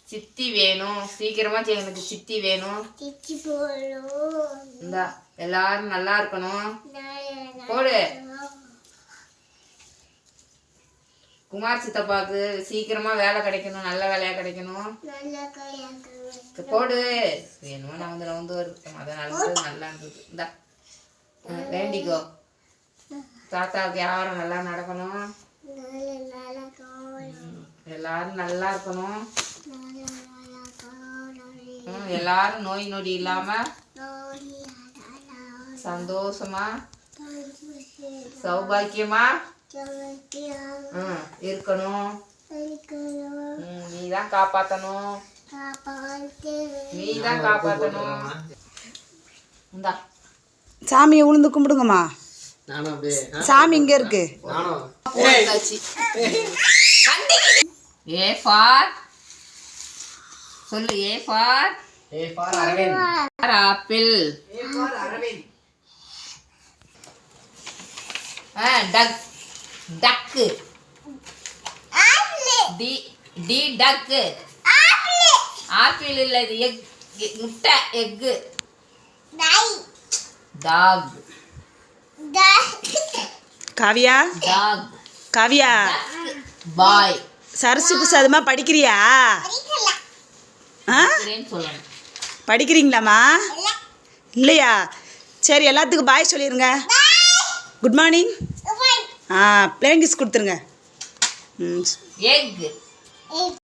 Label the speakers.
Speaker 1: சித்தி வேணும். சீக்கிரமா எனக்கு சித்தி வேணும். இந்தா எல்லாரும் நல்லா இருக்கணும். போடு. குமார் சித்தப்பாவுக்கு சீக்கிரமா வேலை கிடைக்கணும். நல்ல வேலையா கிடைக்கணும். போடு. வேணும் நான் வருது. அதனால நல்லா இருந்தது. இந்தா வேண்டிக்கோ. தாத்தாவுக்கு யாரும் நல்லா நடக்கணும். எல்லாரும் நல்லா இருக்கணும். எல்லாரும் நோய் நொடி இல்லாம சந்தோஷமா சௌபாக்கியமா இருக்கணும். நீதான் காப்பாத்தணும். நீதான் காப்பாத்தணும். இந்தா
Speaker 2: சாமியை உளுந்து கும்பிடுங்கம்மா. சாமி இங்க இருக்கு.
Speaker 1: ஏ ஃபார் சொல்லு. A for Aravind. Apple. A for Aravind. Duck duck. D D duck. Apple இல்ல, இது எக். முட்டை egg. Dog.
Speaker 2: Kavya.
Speaker 1: Dog.
Speaker 2: Kavya.
Speaker 1: Bye.
Speaker 2: Sarasu பிரசாதமா படிக்கிறியா? படிக்கிறீங்களாம்மா? இல்லையா? சரி, எல்லாத்துக்கும் பாய் சொல்லிடுங்க. Good morning. பிளேன் கிஸ் கொடுத்துருங்க.
Speaker 1: எக்.